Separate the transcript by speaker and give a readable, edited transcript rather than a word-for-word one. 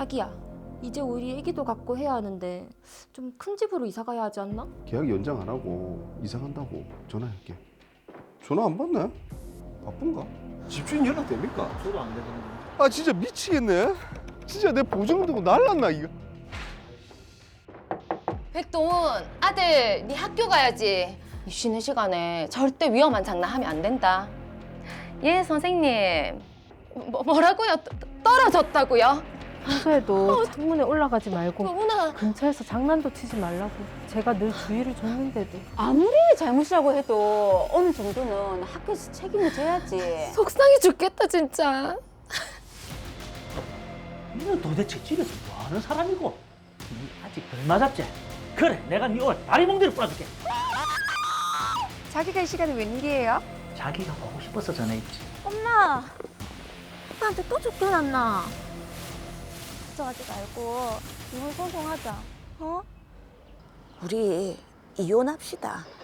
Speaker 1: 자기야, 이제 우리 애기도 갖고 해야 하는데 좀 큰 집으로 이사 가야 하지 않나?
Speaker 2: 계약 연장 안 하고 이사 간다고 전화할게. 전화 안 받네? 바쁜가? 집주인 연락 됩니까?
Speaker 3: 저도 안 되던데.
Speaker 2: 아 진짜 미치겠네. 진짜 내 보증금 두고 날랐나 이거.
Speaker 4: 백동훈, 아들, 네 학교 가야지. 쉬는 시간에 절대 위험한 장난하면 안 된다. 예, 선생님. 뭐라고요? 떨어졌다고요?
Speaker 5: 평소에도 창문에 올라가지 말고
Speaker 4: 동훈아,
Speaker 5: 근처에서 장난도 치지 말라고 제가 늘 주의를 줬는데도.
Speaker 6: 아무리 잘못이라고 해도 어느 정도는 학교에서 책임을 져야지.
Speaker 4: 속상해 죽겠다, 진짜.
Speaker 3: 너는 도대체 집에서 뭐 하는 사람이고? 니 아직 덜 맞았지? 그래, 내가 니 오늘 다리 몽둥이를 뿌려줄게.
Speaker 7: 자기가 이 시간에 웬일이에요?
Speaker 3: 자기가 보고 싶어서 전화했지.
Speaker 7: 엄마! 아빠한테 또 쫓겨났나? 걱정하지 말고 이혼 소송하자, 어?
Speaker 6: 우리 이혼합시다.